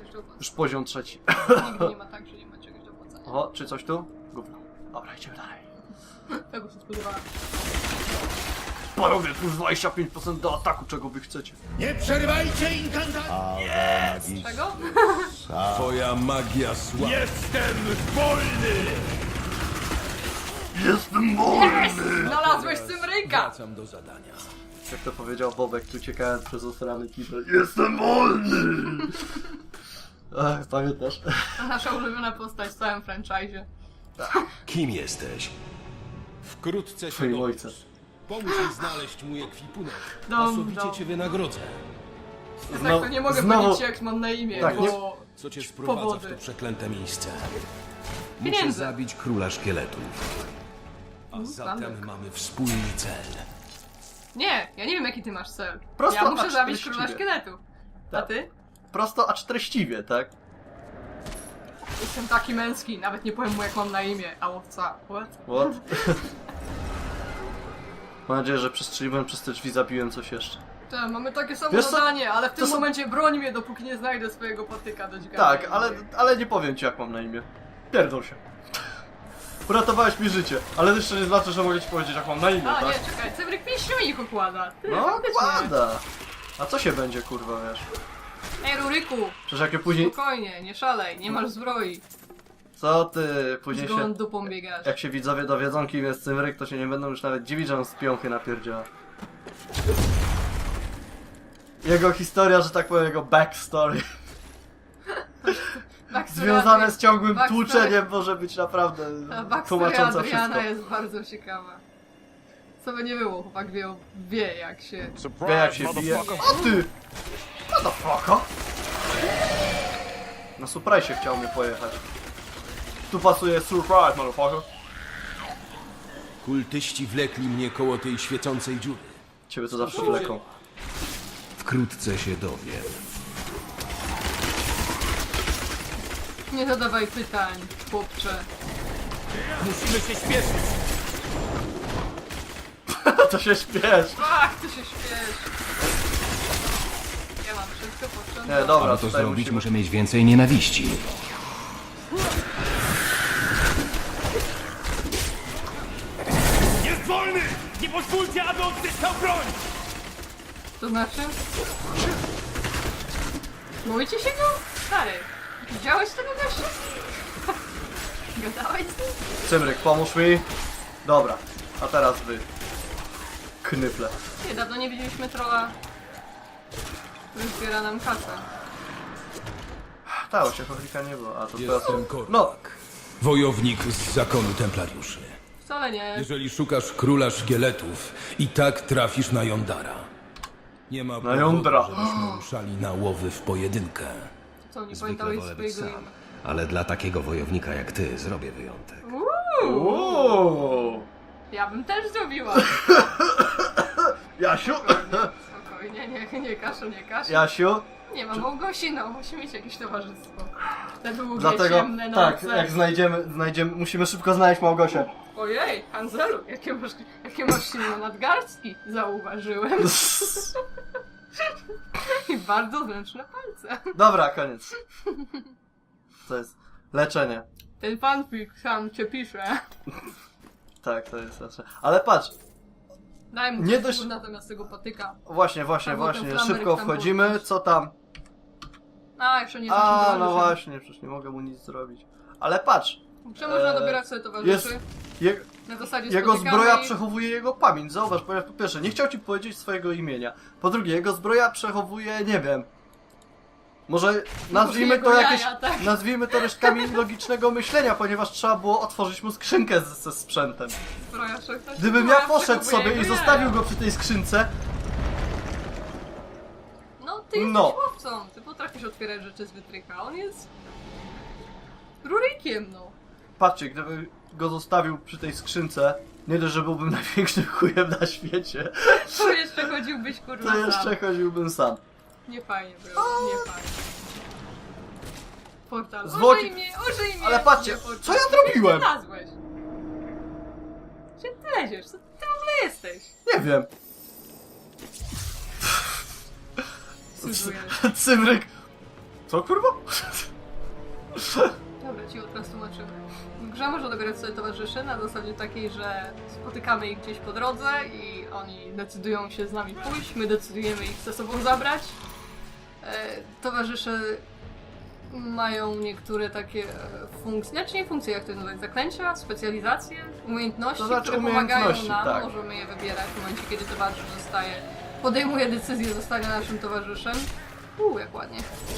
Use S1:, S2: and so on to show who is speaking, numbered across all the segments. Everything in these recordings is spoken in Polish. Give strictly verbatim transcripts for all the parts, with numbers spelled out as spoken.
S1: coś do opłacenia.
S2: Już poziom trzeci.
S1: Nigdy nie ma tak, że nie ma czegoś do opłacenia.
S2: O, czy coś tu? Gówno. Dobra, idziemy dalej.
S1: Tego się spodziewałem.
S2: Panowie, plus dwadzieścia pięć procent do ataku, czego wy chcecie.
S3: Nie przerywajcie inkantacji!
S1: Czego?
S4: Twoja magia słaba.
S3: Jestem wolny!
S2: Jestem wolny!
S1: Znalazłeś Cymryka!
S4: Wracam do zadania.
S2: Jak to powiedział Bobek, tu uciekając przez osrany kibel. Jestem wolny! Ach, pamiętasz?
S1: Nasza ulubiona postać w całym franchise'ie.
S4: Kim jesteś? Wkrótce się
S2: Twoim
S4: dowiesz.
S2: ojcem.
S4: Pomóż mi znaleźć mój ekwipunek.
S1: Dom,
S4: Osobicie
S1: dom.
S4: cię wynagrodzę.
S1: Tak, to nie mogę
S2: znowu-
S1: powiedzieć jak mam na imię,
S2: Tak,
S1: bo...
S2: nie-
S4: Co cię sprowadza
S1: Powody.
S4: w to przeklęte miejsce? Muszę
S1: Pieniądze.
S4: zabić króla szkieletów. A zatem
S1: zamek.
S4: mamy wspólny cel.
S1: Nie, ja nie wiem jaki ty masz cel.
S2: Prosto,
S1: ja muszę
S2: a
S1: zabić
S2: treściwie.
S1: króla szkieletu. A
S2: Tak.
S1: ty?
S2: Prosto, acz treściwie, tak?
S1: Jestem taki męski, nawet nie powiem mu jak mam na imię. A łowca. What?
S2: What? Mam nadzieję, że przestrzeliłem przez te drzwi, zabiłem coś jeszcze.
S1: Tak, mamy takie samo
S2: Wiesz co?
S1: zadanie, ale w tym
S2: są-
S1: momencie broń mnie, dopóki nie znajdę swojego patyka do dźgania.
S2: Tak, ale, ale nie powiem ci jak mam na imię. Pierdol się. Uratowałeś mi życie, ale jeszcze nie znaczy, że mogę ci powiedzieć jak mam na imię,
S1: A,
S2: tak?
S1: nie, czekaj, Cymryk pięściunik układa. Ty,
S2: No,
S1: faktycznie.
S2: kłada. A co się będzie, kurwa, wiesz?
S1: Ej, Ruryku,
S2: Przecież jak je później...
S1: spokojnie, nie szalej, nie masz zbroi.
S2: Co ty? Później
S1: Z
S2: się...
S1: gołą dupą biegasz.
S2: Jak się widzowie dowiedzą, kim jest Cymryk, to się nie będą już nawet dziwić, że on z piąchy napierdziała. Jego historia, że tak powiem, jego backstory
S1: Backstory
S2: związane
S1: Adri-
S2: z ciągłym
S1: backstory-
S2: tłuczeniem może być naprawdę
S1: Ta backstory
S2: tłumacząca
S1: Adriana
S2: wszystko.
S1: jest bardzo ciekawa. Co by nie było, chłopak wie, wie jak się...
S2: Wie jak się bije. O ty! Motherfucker! Na surprise chciał mnie pojechać. Tu pasuje surprise, motherfucker.
S4: Kultyści wlekli mnie koło tej świecącej dziury.
S2: Ciebie to zawsze wleką.
S4: Wkrótce się dowiem.
S1: Nie zadawaj pytań, chłopcze.
S3: Musimy się śpieszyć!
S2: To się śpiesz!
S1: Ach, ty się śpiesz. Ja mam wszystko potrzebne.
S2: Nie, dobra,
S4: Aby to
S2: tutaj
S4: zrobić,
S2: musimy...
S4: muszę mieć więcej nienawiści.
S3: Jest wolny! Nie pozwólcie, aby odzyskał broń!
S1: To znaczy? Boicie się go? Stary, widziałeś tego gościa? Gadałeś z nim?
S2: Cymryk, pomóż mi. Dobra, a teraz wy. Knyple.
S1: Nie, dawno nie widzieliśmy trolla. Który zbiera nam kasę.
S2: Tak, się chodzika nie było, a to teraz...
S4: Jestem Kormak,
S2: No,
S4: wojownik z zakonu templariuszy.
S1: Wcale nie.
S4: Jeżeli szukasz króla szkieletów, i tak trafisz na Jondara. Nie ma powodu,
S2: Jądra.
S4: żebyśmy ruszali na łowy w pojedynkę.
S1: Co, nie
S5: Zwykle
S1: pamiętałeś
S5: wolę być
S1: swojego
S5: sam,
S1: imienia?
S5: ale dla takiego wojownika jak ty zrobię wyjątek.
S2: Uuu.
S1: Ja bym też zrobiła.
S2: Jasiu?
S1: Spokojnie, spokojnie, nie, nie kaszu, nie kaszu.
S2: Jasiu?
S1: Nie ma Małgosi, no, musi mieć jakieś towarzystwo. Te długie,
S2: Dlatego,
S1: ciemne
S2: tak,
S1: noce.
S2: jak znajdziemy, znajdziemy, musimy szybko znaleźć Małgosię.
S1: Ojej, Hanzelu, jakie masz, jakie masz silne nadgarstki, zauważyłem. I bardzo zręczne palce.
S2: Dobra, koniec. To jest leczenie.
S1: Ten fanfic sam cię pisze.
S2: Tak, to jest leczenie. Ale patrz,
S1: Daj mu
S2: Nie
S1: nie
S2: dość-
S1: dość... natomiast tego patyka.
S2: właśnie, właśnie,
S1: Albo ten
S2: właśnie,
S1: flamerek
S2: szybko
S1: tam
S2: wchodzimy,
S1: podnieść.
S2: co tam?
S1: A, jeszcze nie
S2: A,
S1: zaczynamy.
S2: no właśnie, przecież nie mogę mu nic zrobić. Ale patrz,
S1: Czy można
S2: Eee,
S1: dobierać sobie towarzyszy?
S2: jest, je,
S1: Na zasadzie
S2: jego
S1: spotykamy
S2: zbroja
S1: ich-
S2: przechowuje jego pamięć. Zauważ, ponieważ po pierwsze, nie chciał ci powiedzieć swojego imienia. Po drugie, jego zbroja przechowuje, nie wiem, może nazwijmy
S1: jego
S2: to jakieś,
S1: jaja, tak.
S2: nazwijmy to resztkami logicznego myślenia, ponieważ trzeba było otworzyć mu skrzynkę z, ze sprzętem.
S1: Zbroja wszechczasów.
S2: Gdybym
S1: Zbroja
S2: ja poszedł
S1: przechowuje
S2: sobie i
S1: jego
S2: zostawił
S1: jaja.
S2: go przy tej skrzynce,
S1: No, ty jesteś
S2: No.
S1: łowcą. Ty potrafisz otwierać rzeczy z wytrycha. On jest... rurykiem, no.
S2: patrzcie, gdybym go zostawił przy tej skrzynce, nie dość, że byłbym największym chujem na świecie,
S1: To jeszcze chodziłbyś, kurwa,
S2: to
S1: sam.
S2: jeszcze chodziłbym sam.
S1: Nie fajnie było, nie fajnie. Portal.
S2: Zwłoki-
S1: Użyj mnie, użyj mnie!
S2: Ale patrzcie,
S1: Nie, portal.
S2: co ja
S1: Gdzie
S2: zrobiłem?
S1: ty znalazłeś? Gdzie ty leziesz? Co ty w ogóle jesteś?
S2: Nie wiem.
S1: Cudujesz.
S2: Cymryk Co kurwa?
S1: Dobra, ci teraz tłumaczymy. W grze można dobrać sobie towarzyszy na zasadzie takiej, że spotykamy ich gdzieś po drodze i oni decydują się z nami pójść, my decydujemy ich ze sobą zabrać. E, towarzysze mają niektóre takie e, funkcje, znaczy nie funkcje, jak to nazwać, zaklęcia, specjalizacje, umiejętności,
S2: To znaczy
S1: które pomagają
S2: umiejętności,
S1: nam,
S2: tak.
S1: możemy je wybierać w momencie, kiedy towarzysz zostaje, podejmuje decyzję zostania naszym towarzyszem. Uuu, jak ładnie.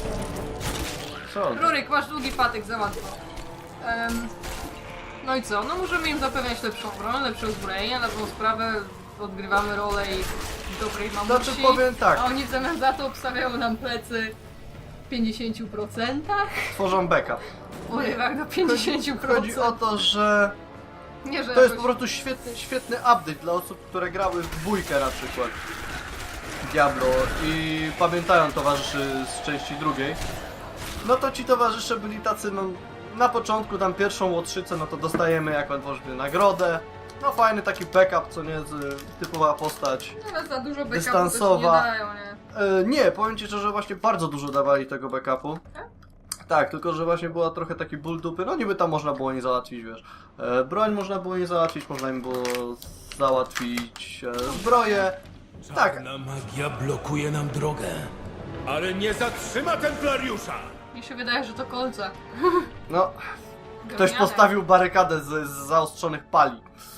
S2: Co?
S1: Ruryk, masz długi patyk, za łatwo. Em, no i co? No możemy im zapewniać lepszą broń, lepsze uzbrojenie, na tą sprawę odgrywamy rolę ich dobrej mamusi.
S2: Znaczy powiem tak.
S1: A oni w zamian za to obstawiają nam plecy w pięćdziesięciu procentach.
S2: Tworzą backup.
S1: Urywak do pięćdziesięciu procent.
S2: Chodzi o to, że
S1: Nie, że
S2: to jest
S1: jakoś...
S2: po prostu świetny, świetny update dla osób, które grały w dwójkę na przykład Diablo i pamiętają towarzyszy z części drugiej. No to ci towarzysze byli tacy, no na początku tam pierwszą łotrzycę, no to dostajemy jakąś właśnie nagrodę. No fajny taki backup, co nie, z, typowa postać.
S1: Ale za dużo backupu
S2: dystansowa.
S1: też nie dają, nie?
S2: E, nie, powiem ci szczerze, właśnie bardzo dużo dawali tego backupu.
S1: Tak?
S2: Tak, tylko że właśnie była trochę taki ból dupy, no niby tam można było nie załatwić, wiesz. E, broń można było nie załatwić, można im było załatwić e, zbroję. Tak,
S4: Czarna magia blokuje nam drogę.
S3: Ale nie zatrzyma Templariusza!
S1: Mi się wydaje, że to kolce.
S2: no, ktoś
S1: Gówniane.
S2: postawił barykadę z, z zaostrzonych pali.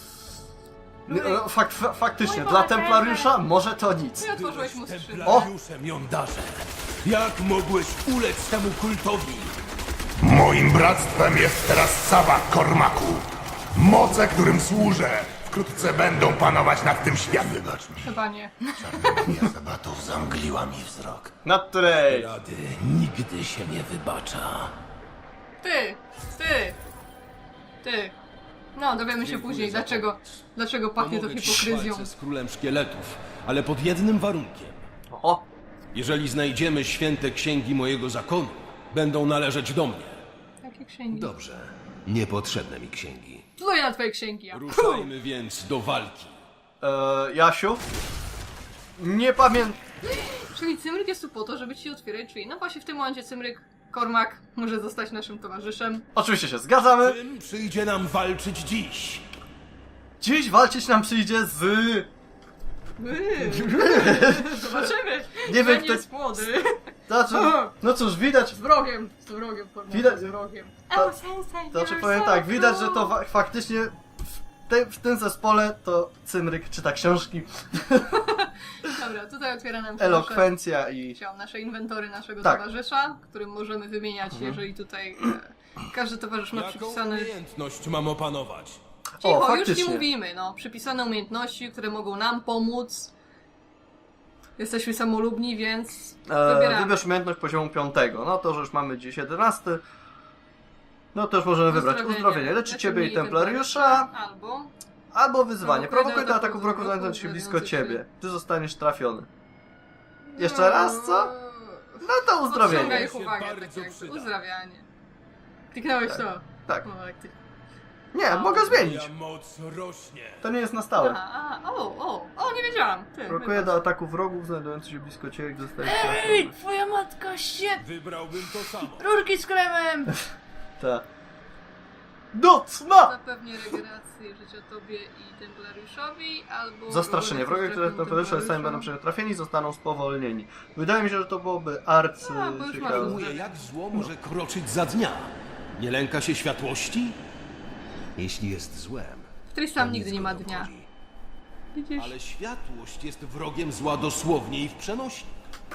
S2: Nie, no, fak, fa, faktycznie,
S1: Mój
S2: dla
S1: Boże.
S2: Templariusza może to nic.
S1: Ty otworzyłeś mu skrzydło.
S4: Templariuszem jądarze. Jak mogłeś ulec temu kultowi?
S6: Moim bractwem jest teraz Saba Kormaku. Moce, którym służę, wkrótce będą panować nad tym światem. Wybacz mi,
S1: Chyba nie.
S6: ja zabatów zamgliła mi wzrok.
S2: Na której?
S4: Rady nigdy się nie wybacza.
S1: Ty! Ty! Ty! No, dowiemy się
S4: Dziękuję
S1: później,
S4: za
S1: dlaczego, dlaczego pachnie to
S4: Pomogę ci w
S1: hipokryzją.
S4: walce z królem szkieletów, ale pod jednym warunkiem.
S2: Oho,
S4: Jeżeli znajdziemy święte księgi mojego zakonu, będą należeć do mnie.
S1: Jakie księgi?
S5: Dobrze. Niepotrzebne mi księgi.
S1: Pluję na twoje księgi, ja.
S4: Ruszajmy więc do walki.
S2: e, Jasiu? Nie pamiętam.
S1: Czyli Cymryk jest tu po to, żeby ci otwierać drzwi. No właśnie w tym momencie Cymryk, Kormak, może zostać naszym towarzyszem.
S2: Oczywiście się zgadzamy.
S4: Tym przyjdzie nam walczyć dziś.
S2: Dziś walczyć nam przyjdzie z...
S1: Yy, Zobaczymy.
S2: Nie wiem,
S1: Że
S2: kto-
S1: jest młody.
S2: Znaczy, no cóż, widać,
S1: Z wrogiem. Z wrogiem, Kormak.
S2: Widać-
S1: Z wrogiem.
S2: To-
S1: Oh, sensei,
S2: to znaczy
S1: you're
S2: powiem
S1: so
S2: tak, widać, że to
S1: cool.
S2: fa faktycznie w, te, w tym zespole to Cymryk czyta książki,
S1: Dobra, tutaj otwiera nam się nasze,
S2: elokwencja i...
S1: chciałam, nasze inwentory naszego
S2: Tak.
S1: towarzysza, którym możemy wymieniać, jeżeli tutaj e, każdy towarzysz ma
S4: Jaką
S1: przypisane...
S4: umiejętność mam opanować?
S1: Cicho,
S2: O,
S1: już ci
S2: faktycznie.
S1: mówimy, no. Przypisane umiejętności, które mogą nam pomóc. Jesteśmy samolubni, więc
S2: E,
S1: wybieramy.
S2: wybierz umiejętność poziomu piątego. No to, że już mamy dziś jedenasty. No to już możemy wybrać uzdrowienie. Leczy ciebie i templariusza,
S1: Albo...
S2: albo wyzwanie.
S1: Prowokuje
S2: Prowokuje
S1: do
S2: do
S1: ataku
S2: ataku wrogu
S1: wrogu
S2: znajdujących się blisko
S1: znajdujących się-
S2: ciebie. Ty zostaniesz trafiony. Jeszcze raz, co? No to
S1: Odciąga
S2: uzdrowienie.
S1: ich uwagę,
S4: Bardzo
S1: tak jakby.
S4: przyda.
S1: Uzdrawianie. Kliknąłeś to.
S2: Tak.
S1: No, jak ty...
S2: Nie, mogę zmienić.
S4: Moja moc rośnie.
S2: To nie jest na stałe.
S1: A, a, o, o, o, nie wiedziałam. Ty,
S2: Prowokuje
S1: wybacz.
S2: do ataku wrogów znajdujących się blisko ciebie, gdy zostajesz
S1: Ej,
S2: trafiony.
S1: twoja matka się...
S4: Wybrałbym to samo.
S1: Rurki z kremem!
S2: Tak. Do cna!
S1: Zapewni regenerację życia tobie i templariuszowi, albo...
S2: Zastraszenie. Wrogowie, które templariusze sami będą przed trafieni, zostaną spowolnieni. Wydaje mi się, że to byłoby arcy
S1: A, bo już masz
S2: ciekawe.
S1: uzdrawienie.
S4: Mówię, jak zło może kroczyć za dnia. Nie lęka się światłości?
S5: Jeśli jest złem,
S1: W Tristam
S5: to
S1: nigdy
S5: nic
S1: nie
S5: go
S1: ma
S5: nie
S1: dnia.
S5: obchodzi.
S1: Widzisz?
S4: Ale światłość jest wrogiem zła dosłownie i w przenośni.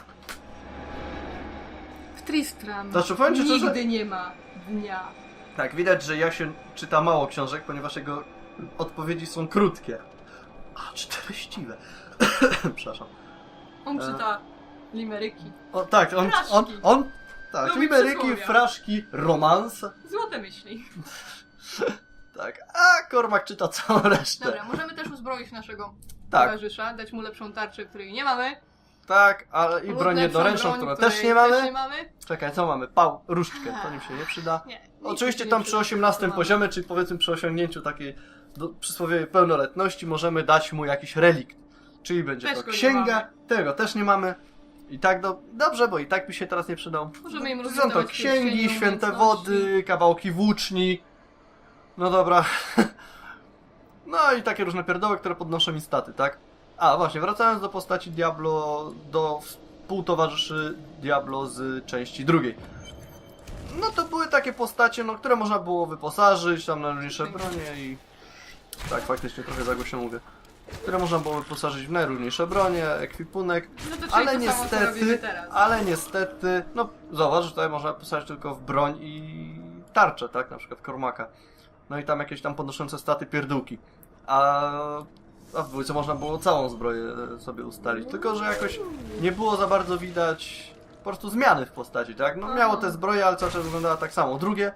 S1: W Tristram
S2: Znaczy, powiem ci szczerze-
S1: nigdy nie ma dnia.
S2: Tak, widać, że Jasiu czyta mało książek, ponieważ jego odpowiedzi są krótkie. A, czy treściwe. Przepraszam.
S1: On
S2: E.
S1: czyta limeryki.
S2: O, tak, on,
S1: Fraszki.
S2: on, on, tak,
S1: Lubi
S2: limeryki,
S1: przysłowia.
S2: fraszki, romanse,
S1: Złote myśli.
S2: tak, a Kormak czyta całą resztę.
S1: Dobra, możemy też uzbroić naszego
S2: Tak.
S1: towarzysza, dać mu lepszą tarczę, której nie mamy.
S2: Tak, ale i
S1: lub
S2: broń
S1: lepszą
S2: jednoręczną,
S1: broń,
S2: którą
S1: której
S2: też nie mamy.
S1: Też nie mamy.
S2: Czekaj, co mamy? Pał, różdżkę, to nim się nie przyda.
S1: Nie. nic
S2: Oczywiście
S1: nie
S2: tam
S1: przyda,
S2: przy osiemnastym
S1: co mamy.
S2: poziomie, czyli powiedzmy przy osiągnięciu takiej do, przysłowiowej pełnoletności, możemy dać mu jakiś relikt. Czyli będzie
S1: Też
S2: to
S1: go nie
S2: księga,
S1: mamy.
S2: tego też nie mamy. I tak do... dobrze, bo i tak mi się teraz nie przydał.
S1: Możemy im
S2: Są to
S1: rozwinąć
S2: księgi,
S1: pierścienie
S2: święte
S1: umiejętności.
S2: wody, kawałki włóczni. No dobra. No i takie różne pierdoły, które podnoszą mi staty, tak? A właśnie, wracając do postaci Diablo, do współtowarzyszy Diablo z części drugiej. No to były takie postacie, no, które można było wyposażyć tam na różniejsze bronie i... Tak, faktycznie trochę za głośno mówię. Które można było wyposażyć w najróżniejsze bronie, ekwipunek,
S1: No to czyli
S2: ale
S1: to samo, co robimy
S2: niestety,
S1: teraz.
S2: ale niestety, no zauważ, że tutaj można wyposażyć tylko w broń i tarczę, tak, na przykład Kormaka. No i tam jakieś tam podnoszące staty pierdółki. A, a w dwójce można było całą zbroję sobie ustalić, tylko że jakoś nie było za bardzo widać po prostu zmiany w postaci, tak? No miało te zbroje, ale cały czas wyglądała tak samo. Drugie,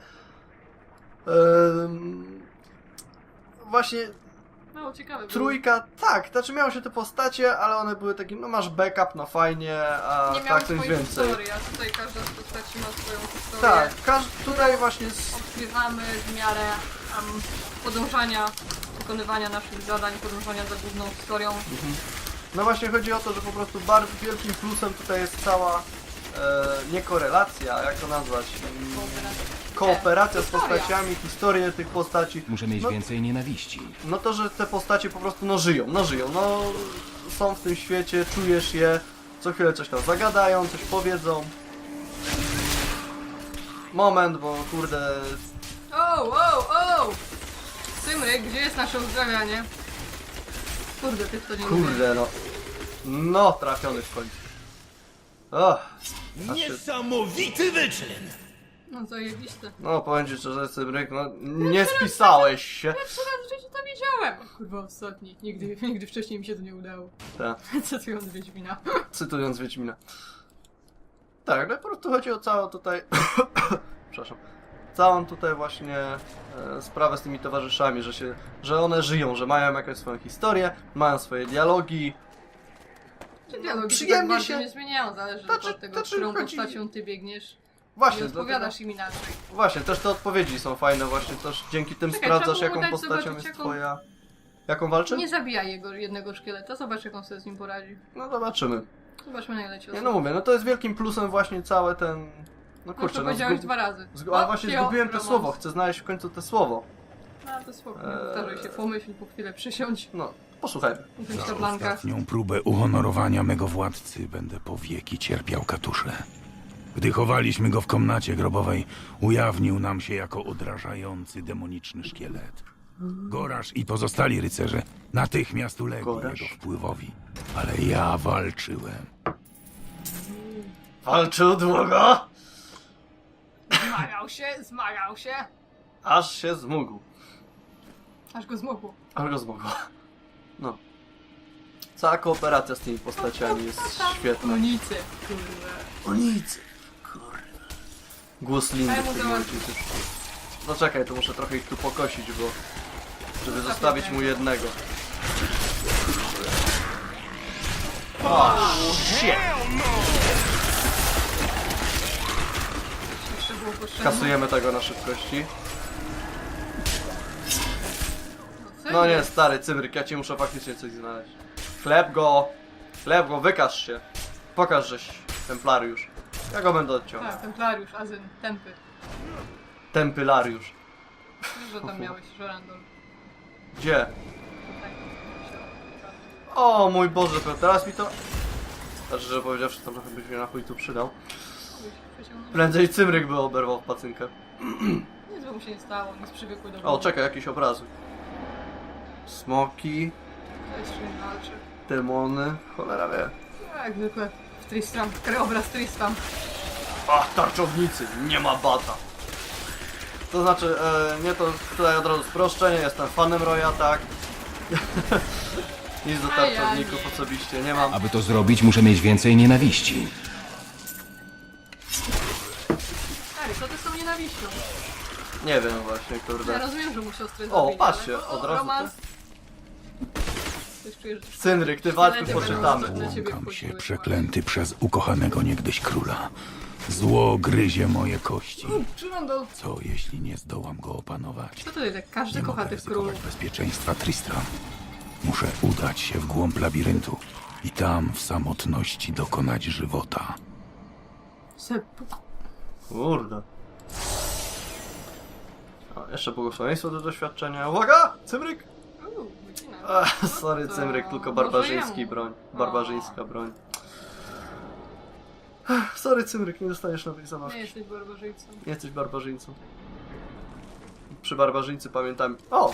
S2: ym, właśnie
S1: Mało ciekawe było.
S2: trójka, tak, znaczy miało się te postacie, ale one były takie, no masz backup, no fajnie, a
S1: Nie miał
S2: tak coś
S1: swojej
S2: więcej.
S1: historii, a tutaj każda z postaci ma swoją historię.
S2: Tak, każ, tutaj właśnie z,
S1: Odkrywamy w miarę um, podążania, wykonywania naszych zadań, podążania za główną historią.
S2: no właśnie chodzi o to, że po prostu bardzo wielkim plusem tutaj jest cała, e, nie korelacja, jak to nazwać, mm, kooperacja z
S1: Historia.
S2: postaciami, historię tych postaci.
S5: Muszę mieć
S2: No,
S5: więcej nienawiści.
S2: no to, że te postacie po prostu no żyją, no żyją, no są w tym świecie, czujesz je, co chwilę coś tam zagadają, coś powiedzą. Moment, bo kurde,
S1: O, o, o! Cymryk, gdzie jest nasze uzdrawianie? Kurde, ty w to nie lubię.
S2: kurde no, no trafiony w końcu. O, aż się,
S3: Niesamowity wyczyn!
S1: No zajebiste.
S2: no powiem ci szczerze, Cymryk, no nie spisałeś się.
S1: Pierwszy raz w życiu to wiedziałem! Kurwa, ostatni. Nigdy, nigdy wcześniej mi się to nie udało.
S2: Tak.
S1: Cytując Wiedźmina.
S2: Cytując Wiedźmina. Tak, no i po prostu chodzi o całą tutaj... Przepraszam. Całą tutaj właśnie e, sprawę z tymi towarzyszami, że się, że one żyją, że mają jakąś swoją historię, mają swoje dialogi.
S1: Czy dialogi
S2: Przyjemnie
S1: się tak bardzo
S2: się-
S1: nie zmieniają, zależy
S2: Znaczy-
S1: od tego,
S2: znaczy
S1: którą
S2: chodzi-
S1: postacią ty biegniesz.
S2: Właśnie,
S1: Nie odpowiadasz
S2: dlatego-
S1: im inaczej.
S2: Właśnie, też te odpowiedzi są fajne, właśnie też dzięki tym
S1: Czekaj,
S2: sprawdzasz,
S1: trzeba
S2: jaką
S1: było dać
S2: postacią
S1: zobaczyć,
S2: jest
S1: jaką-
S2: twoja... Jaką walczy?
S1: Nie zabijaj jego jednego szkieleta, zobacz jak on sobie z nim poradzi.
S2: No zobaczymy.
S1: Zobaczmy na ile ci
S2: Nie no mówię, no to jest wielkim plusem właśnie całe ten... No
S1: Kurczę,
S2: kurczę,
S1: no,
S2: no
S1: powiedziałeś
S2: zgub...
S1: dwa razy.
S2: zgu... Ale właśnie
S1: Opio,
S2: zgubiłem to
S1: romans.
S2: słowo, chcę znaleźć w końcu to słowo.
S1: No to spoko, nie
S2: Eee.
S1: powtarzaj się, pomyśl, po chwilę przysiądź.
S2: No, posłuchajmy.
S1: Usiądź na blankach.
S7: Ostatnią próbę uhonorowania mego władcy będę po wieki cierpiał katusze. Gdy chowaliśmy go w komnacie grobowej, ujawnił nam się jako odrażający demoniczny szkielet. Gorasz i pozostali rycerze natychmiast ulegli
S2: Gorasz?
S7: jego wpływowi, ale ja walczyłem.
S2: Walczył długo,
S1: Zmagał się, zmagał się,
S2: aż się zmógł.
S1: aż go zmogło.
S2: Aż go zmógł. No. Cała kooperacja z tymi postaciami jest świetna.
S1: Unicy, kurde.
S2: O nic! Kurde. Głos Lindy
S1: Daj
S2: w
S1: mu
S2: tym
S1: załatwić.
S2: momencie też. No czekaj, to muszę trochę ich tu pokosić, bo... Żeby zostawić mu jednego. O, shit!
S1: Jeszcze było potrzebne.
S2: Kasujemy tego na szybkości.
S1: co
S2: No nie,
S1: jest?
S2: stary Cymryk, ja ci muszę faktycznie coś znaleźć. Chleb go! Chleb go, wykaż się! Pokaż, żeś templariusz. Ja go będę odciął.
S1: Tak, templariusz, azyn, tempy.
S2: Tempylariusz.
S1: Wiesz, że tam miałeś żerandol.
S2: Gdzie?
S1: Tak,
S2: O mój Boże, to teraz mi to... Znaczy, że powiedziawszy, to trochę byś mnie na chuj tu przydał. Prędzej Cymryk by oberwał w pacynkę.
S1: Nic by mu się nie stało, nic przywykły do
S2: O,
S1: wody.
S2: czekaj, jakiś obrazy. Smoki,
S1: To jest czym walczy.
S2: demony, cholera wie.
S1: No, jak zwykle w Tristram, krajobraz Tristram.
S2: Ach, tarczownicy, nie ma bata. To znaczy, e, nie to tutaj od razu sproszczenie, jestem fanem Roya, tak. Nic do
S1: A ja
S2: tarczowników
S1: nie.
S2: osobiście nie mam.
S5: Aby to zrobić, muszę mieć więcej nienawiści.
S1: Stary, co ty z tą nienawiścią?
S2: Nie wiem właśnie,
S1: Ja
S2: kurde.
S1: rozumiem, że mu siostrę
S2: O,
S1: zabili,
S2: patrzcie,
S1: ale-
S2: od razu
S1: romans... Coś czujesz, że...
S2: Cynryk, ty walczmy
S1: Szkielety
S2: poczytamy.
S1: będą- Dla ciebie
S7: Łąkam się
S1: wchodziły.
S7: przeklęty przez ukochanego niegdyś króla. Zło gryzie moje kości.
S1: Żyrandol.
S7: Co jeśli nie zdołam go opanować?
S1: Co tutaj tak? Każdy
S7: Nie
S1: kocha
S7: mogę
S1: tych królów.
S7: ryzykować bezpieczeństwa Tristram. Muszę udać się w głąb labiryntu i tam w samotności dokonać żywota.
S1: Seppuku.
S2: Kurde. O, jeszcze błogosławieństwo do doświadczenia. Uwaga! Cymryk!
S1: Uuu, wycinam.
S2: Ach, sorry,
S1: To
S2: Cymryk, tylko
S1: może
S2: barbarzyński
S1: jemu.
S2: broń.
S1: O.
S2: Barbarzyńska broń. Ach, sorry, Cymryk, nie dostaniesz nowych
S1: Nie
S2: zabawki.
S1: jesteś barbarzyńcą.
S2: Nie jesteś barbarzyńcą. Przy barbarzyńcy pamiętam... O!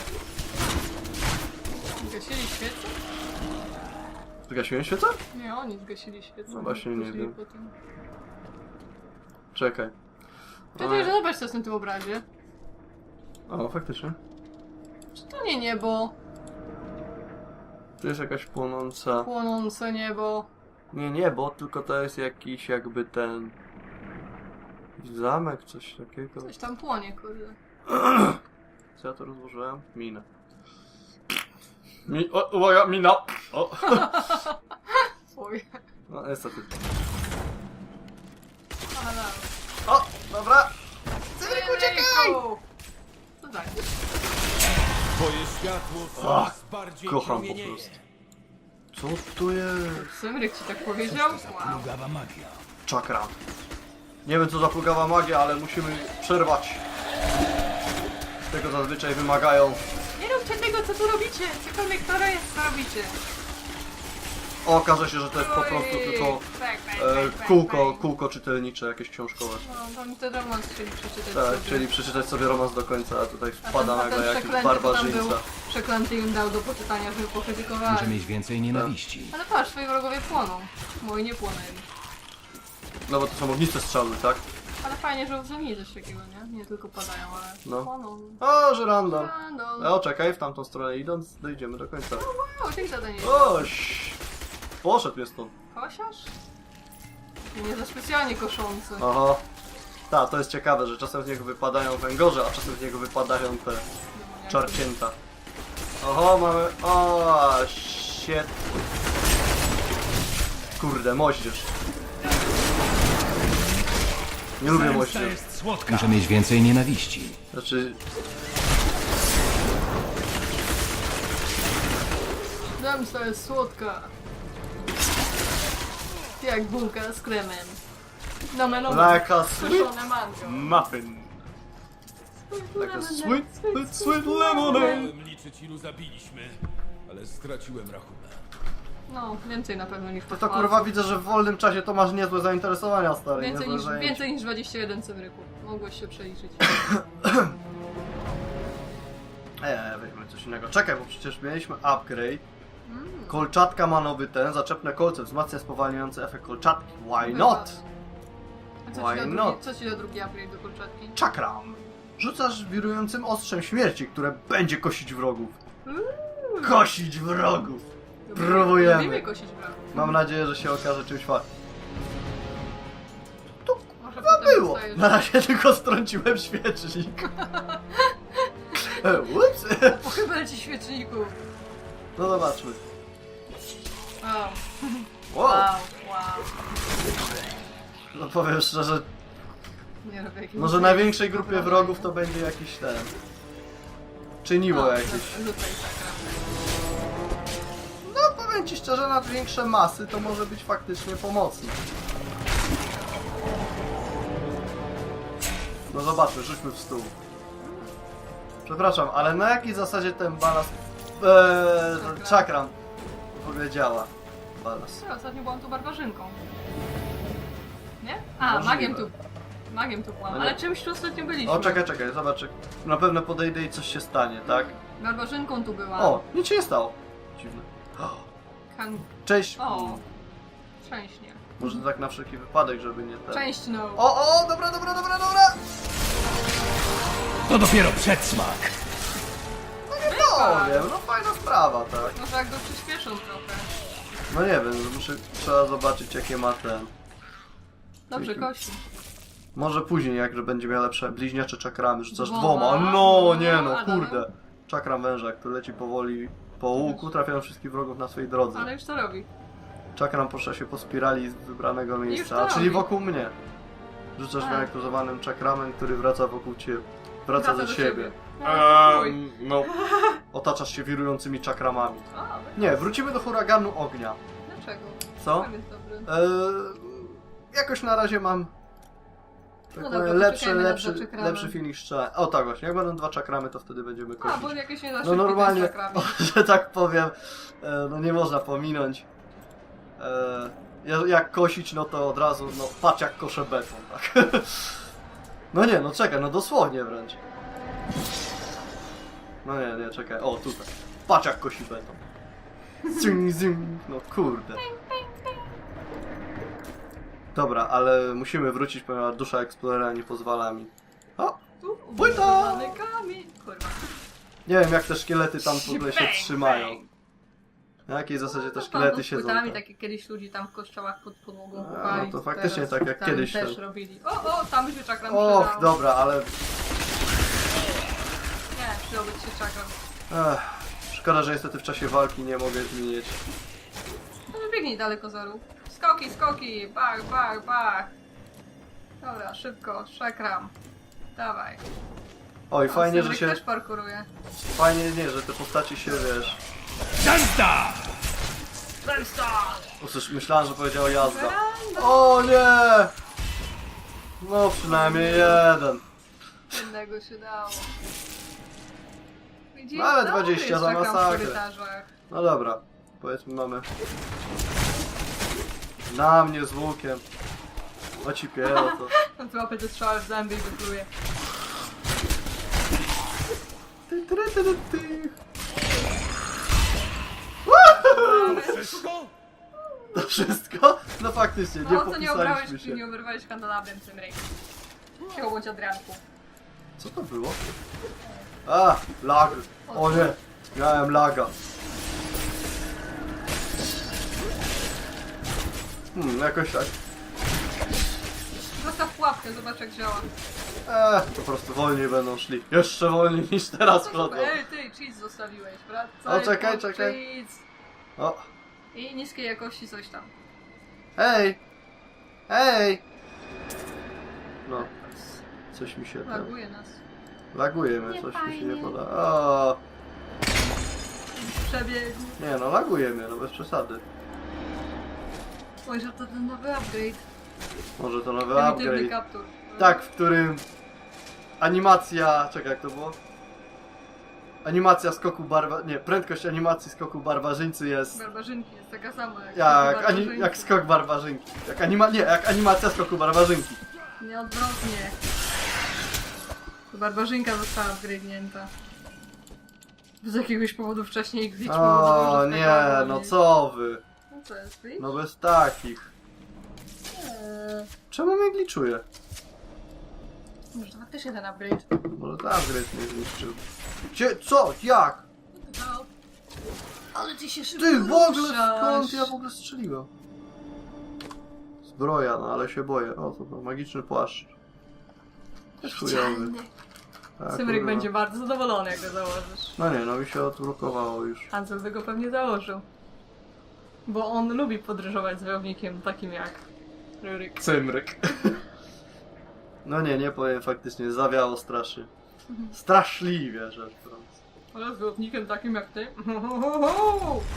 S1: Zgasili świecę?
S2: Zgasiłem świecę?
S1: Nie, oni zgasili świecę.
S2: No właśnie, nie
S1: Poszli
S2: wiem.
S1: potem.
S2: Czekaj.
S1: Czekaj, że zobacz co jest na tym obrazie.
S2: O, faktycznie.
S1: Czy to nie niebo?
S2: Tu jest jakaś płonąca...
S1: Płonące niebo.
S2: Nie niebo, tylko to jest jakiś jakby ten... Zamek, coś takiego.
S1: Coś tam płonie, kurde.
S2: Co ja to rozłożyłem? Minę. Mi... O, uwaga, mina! O!
S1: Oj.
S2: No, niestety.
S1: Ale...
S2: O! Dobra! Cymryk, uciekaj!
S1: No tak.
S3: Twoje światło
S2: Ach,
S3: coraz bardziej
S2: kocham po
S3: promienieje.
S2: prostu. Co tu jest?
S1: Symryk ci tak powiedział? Wow.
S7: Plugawa magia.
S2: Czakra. Nie wiem co za plugawa magia, ale musimy przerwać. Tego zazwyczaj wymagają.
S1: Nie róbcie tego, co tu robicie! Cokolwiek to jest, co robicie.
S2: O, okaże się, że to jest po prostu
S1: Oj,
S2: tylko
S1: bang, bang,
S2: e,
S1: bang, bang,
S2: kółko,
S1: bang.
S2: kółko czytelnicze, jakieś książkowe.
S1: No, to mi ten romans chcieli przeczytać
S2: Tak,
S1: sobie.
S2: chcieli przeczytać sobie romans do końca, a tutaj
S1: A
S2: wpada
S1: ten, a ten
S2: nagle jakiś
S1: przeklęty to tam był,
S2: barbarzyńca.
S1: przeklęty im dał do poczytania, żeby pokrytykowali.
S5: Muszę mieć więcej nienawiści.
S1: Ale patrz, twoi wrogowie płoną. Moi nie płonęli.
S2: No bo to są ogniste strzały, tak?
S1: Ale fajnie, że uwzględnili coś takiego, nie? Nie tylko padają, ale
S2: No.
S1: płoną.
S2: O, że random.
S1: Random.
S2: O, czekaj, w tamtą stronę idąc, dojdziemy do końca.
S1: Wow, dzięki za danie.
S2: Oś! Poszedł mnie stąd.
S1: Kosiarz? Nie za specjalnie koszący.
S2: Aha. Tak, to jest ciekawe, że czasem z niego wypadają węgorze, a czasem z niego wypadają te czarcięta. Oho, mamy... O, shit. Kurde, moździerz. Nie lubię moździerz.
S5: Muszę mieć więcej nienawiści.
S2: Znaczy...
S1: Zemsta jest słodka. Jak bułka z kremem. Na melonę.
S2: Like a sweet
S1: Suszone mango.
S2: muffin. Like a sweet, sweet, sweet lemonade.
S3: Chciałem liczyć ilu zabiliśmy, ale straciłem rachunek.
S1: No, więcej na pewno niż
S2: To
S1: pod
S2: kurwa widzę, że w wolnym czasie to masz niezłe zainteresowania, stary.
S1: Więcej
S2: niezłe
S1: niż,
S2: zajęcie.
S1: więcej niż dwadzieścia jeden cymryków. Mogłeś się przeliczyć.
S2: Eee, weźmy coś innego. Czekaj, bo przecież mieliśmy upgrade. Kolczatka ma nowy ten, zaczepne kolce, wzmacnia spowalniający efekt kolczatki. Why not?
S1: A co
S2: Why
S1: ci, da
S2: not?
S1: drugi, co ci da drugi upgrade do kolczatki?
S2: Czakram. Rzucasz wirującym ostrzem śmierci, które będzie kosić wrogów. Kosić wrogów! Próbujemy.
S1: Lubimy kosić wrogów.
S2: Mam nadzieję, że się okaże czymś fajnym.
S1: Może
S2: No
S1: potem
S2: było!
S1: dostajesz-
S2: Na razie tylko strąciłem świecznik. E, Ups!
S1: O, chyba leci świeczniku.
S2: No zobaczmy.
S1: Wow.
S2: Wow!
S1: Wow, wow.
S2: No powiem szczerze,
S1: Nie robię jakiegoś...
S2: może największej grupie wrogów to będzie jakiś ten... Czyniło
S1: No,
S2: jakieś.
S1: Rzucaj sakra.
S2: No powiem ci szczerze, na większe masy to może być faktycznie pomocne. No zobaczmy, rzućmy w stół. Przepraszam, ale na jakiej zasadzie ten balast... Eee, czakram w ogóle działa? Balast.
S1: Ja ostatnio byłam tu barbarzynką. Nie? A,
S2: Możliwe.
S1: magiem tu. Magiem tu byłam,
S2: No nie.
S1: ale czymś tu ostatnio byliśmy.
S2: O, czekaj, czekaj, zobacz. Na pewno podejdę i coś się stanie, tak?
S1: Barbarzynką tu byłam.
S2: O, nic się nie stało. Dziwne.
S1: Kan...
S2: Cześć.
S1: O. Szczęśnie.
S2: Może tak na wszelki wypadek, żeby nie ten...
S1: Część no.
S2: O, o, dobra, dobra, dobra, dobra!
S7: To dopiero przedsmak.
S2: No wiem, no fajna sprawa, tak.
S1: Może jak go przyspieszą trochę.
S2: No nie wiem, muszę, trzeba zobaczyć jakie ma ten...
S1: Dobrze, kości.
S2: Może później, jak że będzie miał lepsze bliźniacze czakramy, rzucasz
S1: Dwoma?
S2: dwoma. No
S1: No,
S2: nie no,
S1: ale
S2: kurde. Czakram węża, który leci powoli po łuku, trafiają wszystkich wrogów na swojej drodze.
S1: Ale już to robi.
S2: Czakram porusza się po spirali z wybranego
S1: to
S2: miejsca, czyli
S1: robi.
S2: wokół mnie. Rzucasz
S1: Tak.
S2: wyaktywowanym czakramem, który wraca wokół ciebie. Wraca
S1: Wraca
S2: do
S1: do
S2: siebie.
S1: siebie. No,
S2: Ehm, no, otaczasz się wirującymi czakramami.
S1: A,
S2: Nie, wrócimy do huraganu ognia.
S1: Dlaczego?
S2: Co?
S1: Tam jest dobry.
S2: Eee, jakoś na razie mam tak
S1: No
S2: powiem,
S1: dobra,
S2: lepszy,
S1: poczekajmy na
S2: lepszy,
S1: dwa czakramy.
S2: lepszy feeling strzelania. O tak właśnie, jak będą dwa czakramy, to wtedy będziemy
S1: A,
S2: kosić.
S1: bo jakieś nie da
S2: No normalnie, że tak powiem, e, no nie można pominąć. E, ja- jak kosić, no to od razu, no patrz jak koszę beton, tak. No nie, no czekaj, no dosłownie wręcz. No nie, nie, czekaj, o tutaj. Patrz jak kosi beton. Zing, zing, no kurde. Dobra, ale musimy wrócić, ponieważ dusza eksplorera nie pozwala mi. O! Płyta!
S1: kamień! Kurwa.
S2: Nie wiem jak te szkielety tam w ogóle się
S1: Bang,
S2: trzymają.
S1: bang.
S2: Na jakiej zasadzie te
S1: No,
S2: szkielety
S1: tam
S2: siedzą
S1: płytami,
S2: tam?
S1: tak jak kiedyś ludzi tam w kościołach pod podłogą
S2: A,
S1: kopali.
S2: no to faktycznie
S1: teraz
S2: tak jak
S1: tam
S2: kiedyś
S1: też
S2: ten-
S1: robili. O, o, tam by się czakram
S2: Och,
S1: przydał.
S2: dobra, ale...
S1: Nie, przydałby ci się czakram.
S2: Ech, szkoda, że niestety w czasie walki nie mogę zmienić.
S1: No biegnij daleko zaru. Skoki, skoki! Bach, bach, bach! Dobra, szybko, czakram. Dawaj.
S2: Oj,
S1: O,
S2: fajnie, że
S1: Cymryk
S2: się...
S1: też parkuruje.
S2: Fajnie, nie, że te postaci się, wiesz...
S3: Zemsta!
S2: Usłysz, myślałem, że powiedział jazda. O nie! No przynajmniej jeden.
S1: Jednego się dało. Widzisz?
S2: No, ale
S1: Dobry
S2: dwadzieścia
S1: jest
S2: za
S1: czakram w
S2: masakrę.
S1: korytarzach.
S2: No dobra, powiedzmy mamy... Na mnie z łukiem. O ci piero to...
S1: On tu łapie te strzały w zęby i wypluje.
S2: Ty, ty, ty, ty, ty.
S3: Wszystko?
S2: To wszystko? No faktycznie, nie
S1: No co nie obrałeś,
S2: popisaliśmy się.
S1: nie oberwałeś kandelabrem tym rejkiem. Chciał bądź Adrianku.
S2: Co to było? A, lag. O nie, miałem laga. Hmm, jakoś tak.
S1: Zostaw pułapkę, zobacz jak działa.
S2: Eee, po prostu wolniej będą szli. Jeszcze wolniej niż teraz chodzą.
S1: Ej, ty, cheats zostawiłeś, prawda?
S2: O, czekaj,
S1: pod
S2: czekaj.
S1: cheats.
S2: O,
S1: I niskiej jakości coś tam.
S2: hej! Hej! No, coś mi się tam...
S1: Laguje nas.
S2: Laguje mnie,
S1: Nie
S2: coś mi się
S1: fajnie.
S2: nie poda. O,
S1: Przebiegł.
S2: nie no, laguje mnie, no bez przesady.
S1: Oj, że to ten nowy upgrade.
S2: Może to nowy
S1: Prymitywny
S2: upgrade.
S1: kaptur.
S2: Tak, w którym animacja... Czekaj, jak to było? Animacja skoku barwa... Nie, prędkość animacji skoku barbarzyńcy jest...
S1: Barbarzynki jest taka sama jak,
S2: Jak, ani,
S1: barbarzynki.
S2: jak skok barbarzynki. Jak anima... Nie, jak animacja skoku barbarzynki.
S1: Nieodwrotnie. To barbarzynka została upgrade'nięta. Z jakiegoś powodu wcześniej ich wiedźmy
S2: O nie, no co wy?
S1: No co jest, widzisz?
S2: No bez takich.
S1: Eee,
S2: Czemu mnie gliczuje?
S1: może to faktycznie ten upgrade.
S2: Może ten upgrade mnie zniszczył. Gdzie? Co? Jak?
S1: No. Ale ty się szybko
S2: Ty, w ogóle
S1: ruszasz.
S2: skąd ja w ogóle strzeliłem? Zbroja, no ale się boję. O, to, to magiczny płaszcz. Też chujowy. Tak,
S1: Cymryk
S2: kurwa.
S1: będzie bardzo zadowolony, jak go założysz.
S2: No nie, no mi się odblokowało już.
S1: Hansel by go pewnie założył. Bo on lubi podróżować z wojownikiem takim jak Rurik.
S2: Cymryk. No nie, nie powiem, faktycznie zawiało strasznie. Straszliwie rzecz biorąc.
S1: Ale z wojownikiem takim jak ty?